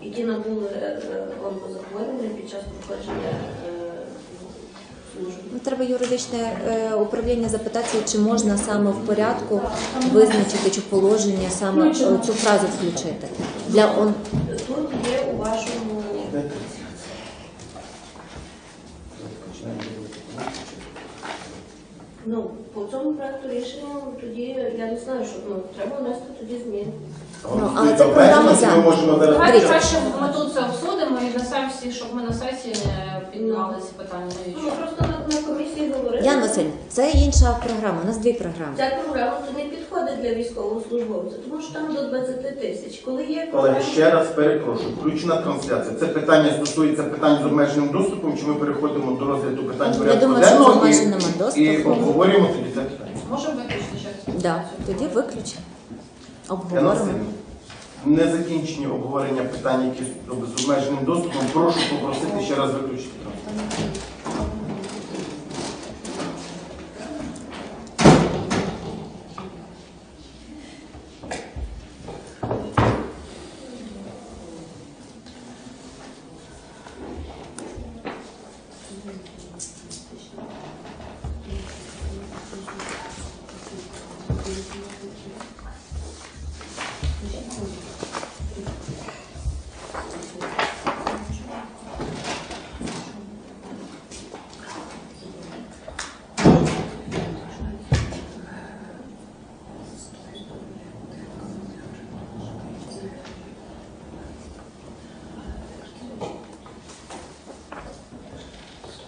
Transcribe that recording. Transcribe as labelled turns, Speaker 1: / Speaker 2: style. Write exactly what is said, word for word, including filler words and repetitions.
Speaker 1: які набули онкозахворювання під час проходження служби.
Speaker 2: Ну, треба юридичне е, управління запитати, чи можна саме в порядку визначити, чи положення саме цю фразу включити. Для он...
Speaker 1: Тут є у вашому... Ну, по цьому проекту рішення тоді, я не знаю, що ну, треба внести тоді зміни.
Speaker 2: Ну, але це програма зараз.
Speaker 3: Давайте краще ми тут це обсудимо і на сесії, щоб ми на сесії не піднімали ці питання.
Speaker 1: Ми просто на, на комісії говорили.
Speaker 2: Яна Васильівна, це інша програма, у нас дві програми.
Speaker 1: Ця програма то не підходить для військовослужбовця, тому що там до двадцяти тисяч. Коли є
Speaker 4: Колеги, ще раз перепрошую, включена трансляція. Це питання стосується питань з обмеженим доступом, чи ми переходимо до розгляду питань
Speaker 2: Я
Speaker 4: порядку
Speaker 2: думаю, що з
Speaker 4: денного
Speaker 2: обмеженим
Speaker 4: і,
Speaker 2: доступом.
Speaker 4: і обговорюємо тоді це питання.
Speaker 3: Може виключити ще?
Speaker 2: Да, тоді виключимо.
Speaker 4: Яна
Speaker 2: Обговоримо.
Speaker 4: Василівна, не закінчені обговорення питань, які з обмеженим доступом. Прошу попросити ще раз виключити трансляцію.
Speaker 1: Thank you.